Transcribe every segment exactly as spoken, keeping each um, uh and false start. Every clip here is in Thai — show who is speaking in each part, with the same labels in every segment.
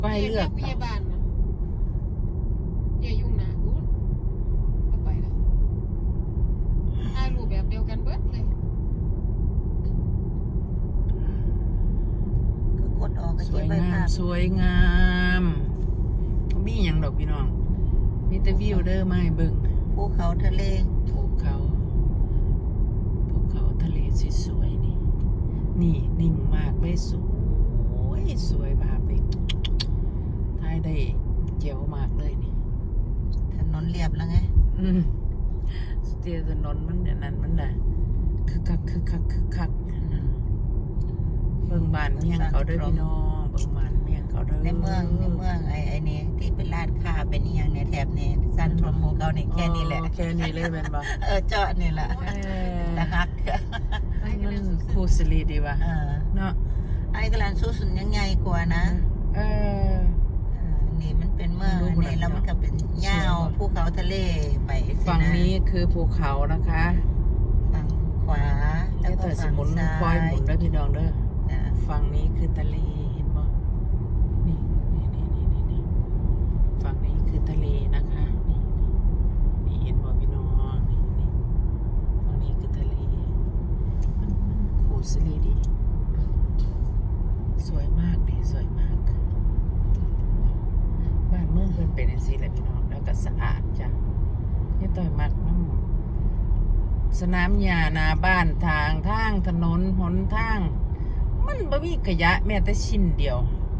Speaker 1: ก็ให้เลือก
Speaker 2: พยาบาลนะอย่ายุ่งนะอู้เอาไปแล้วถ่ายรูปแบบเดียวกันเบิดเลย
Speaker 3: ก็กดออกก็
Speaker 1: ส
Speaker 3: เก็
Speaker 1: ว
Speaker 3: บ
Speaker 1: ย
Speaker 3: ไว้
Speaker 1: งา
Speaker 3: ภาม พ
Speaker 1: สวยงามมีอย่างดอกพี่น้องมีแต่วิวเด้อมาให้เบิ่ง
Speaker 3: ภูเขาทะเล
Speaker 1: ภูเขาภูเขาทะเลสวยๆนี่นี่นิ่งมากเลยสวยสวยภาพเลยถ่ายได้เจ๋วมากเลยนี่
Speaker 3: ถนนเรียบแล้วไง
Speaker 1: อืมสเตียถนนมันเนี่ยนั่นมันน่ะคึกคักคึกคักคึกคักนั่นเบิ่งบ้านเมียงเขาเด้อพี่น้องเบิ่งบ้านเมียงเขาเด้อ
Speaker 3: ในเมืองในเมืองไอ้ไอ้นี่ที่เป็นร้านค้าเป็นอีหยังในแถบนี้ซันทรมโมเขานี่แค่นี้แหละ
Speaker 1: อ๋อแค่นี้เลยแม่นบ่
Speaker 3: เออเจาะนี่แหละ
Speaker 1: เออ
Speaker 3: ตะฮัก
Speaker 1: มันคูสิริดีว่ะ
Speaker 3: เออ
Speaker 1: เนาะ
Speaker 3: ไอ้กลานสู้สุนยังใหญ่กว่านะ
Speaker 1: เออ
Speaker 3: เออนี่มันเป็นเมืองอันนี้แล้วมันก็เป็นหญ้าภูเขาทะเลไปสิะ
Speaker 1: ฝั่งนี้คือภูเขานะคะ
Speaker 3: ฝั่งขวาแล้
Speaker 1: แล้ว ว
Speaker 3: ก็
Speaker 1: แต่ส
Speaker 3: ฝั่ง
Speaker 1: มุน
Speaker 3: ซ้า
Speaker 1: คอย
Speaker 3: ย
Speaker 1: หมุนเด้อพี่น้องเด้อ
Speaker 3: จ้ะ
Speaker 1: ฝั่งนี้คือทะเลเห็นบ่นี่นี่นี่นี่นี่นี่ฝั่งนี้คือทะเลนะคะนี่นี่นี่เห็นบ่พี่น้องนี่นี่ฝั่งนี้คือทะเลมันมันคูสิริดี สวยมากดิสวยมากบ้านเมืองเพิ่นเป็นจังซี่แหละพี่น้องแล้วก็สะอาดจ้ะนี่ต่อยมักน้ำสนามหญ้าหน้าบ้านทางทางถนนหนทาง มันบ่มีขยะแม้แต่ชิ้นเดียว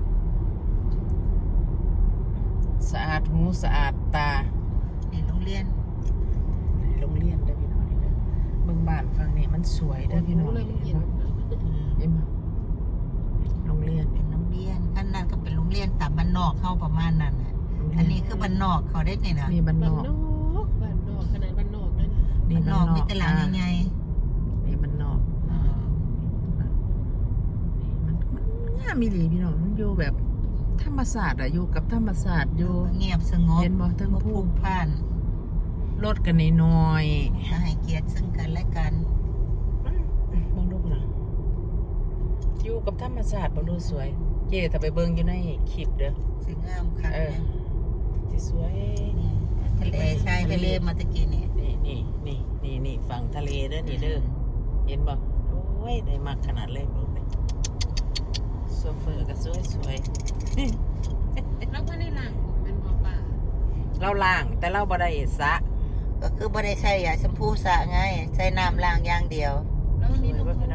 Speaker 1: สะอาดหูสะอาดตา
Speaker 3: นี่โรงเรียน
Speaker 1: ในโรงเรียนเด้อพี่น้องนี่เด้อเบิ่งบ้านฝั่งนี้มันสวยเด้อพี่น้อง
Speaker 2: เลยมัน
Speaker 1: เห็
Speaker 2: เย็
Speaker 1: น
Speaker 2: น
Speaker 1: บ่เห็นบ่โรงเรียน
Speaker 3: เป็นโรงเรียนขั้นนั้นก็เป็นโรงเรียนตามบ้านนอกเข้าประมาณนั้นน่ะอันนี้คือบ้านนอกเขาได้นี่นะ
Speaker 1: นี่บ้านน
Speaker 2: บ้าน
Speaker 1: อก
Speaker 2: นอกบ้านนอกขนาดบ้านนอกนั่น
Speaker 1: นี่
Speaker 3: บ้านน
Speaker 1: บ้า
Speaker 3: อน ก
Speaker 1: นอ
Speaker 3: มี
Speaker 1: ก
Speaker 3: แต่หลังใหญ่
Speaker 1: นี่บ้านนอก
Speaker 3: ๆเออ
Speaker 1: นี่มันมันงามอีหลีพี่น้องมันอยู่แบบธรรมศาสตร์อะอยู่กับธรรมศาสตร์อยู่
Speaker 3: เงียบสงบ
Speaker 1: เห็นบ่เทิง
Speaker 3: บ่
Speaker 1: ภู
Speaker 3: ผูกพัน
Speaker 1: รถกันน้อย
Speaker 3: มาให้เกียรติซึ่งกันและกัน
Speaker 1: ๆมันเบิ่งดูพุ่นน่ะอยู่กับธรรมศาสตร์บ่รู้สวย เจ๊ถ้าไปเบิ่งอยู่ในคลิปเด้อ
Speaker 3: สิงามคัก
Speaker 1: เออ
Speaker 3: เนี่ย
Speaker 1: สิสวย
Speaker 3: นี่ทะเลชายทะเลมาตะกี้นี่
Speaker 1: นี่นี่นี่นี่นี่ฝั่งทะเลเด้อนี่เด้อเห็นบ่โอ้ยได้มากขนาดเลยลูกนี่โซเฟอร์ก็สวยสวย
Speaker 2: แล้วก็ในหลังผมเป็นบ่อป่า
Speaker 1: เราล้างแต่เราบ่ได้สระ
Speaker 3: ก็คือบ่ได้ใช้ยาชมพูสระไงใช้น้ำล้างอย่างเดียว
Speaker 2: แล้ววันนี้น้องโทร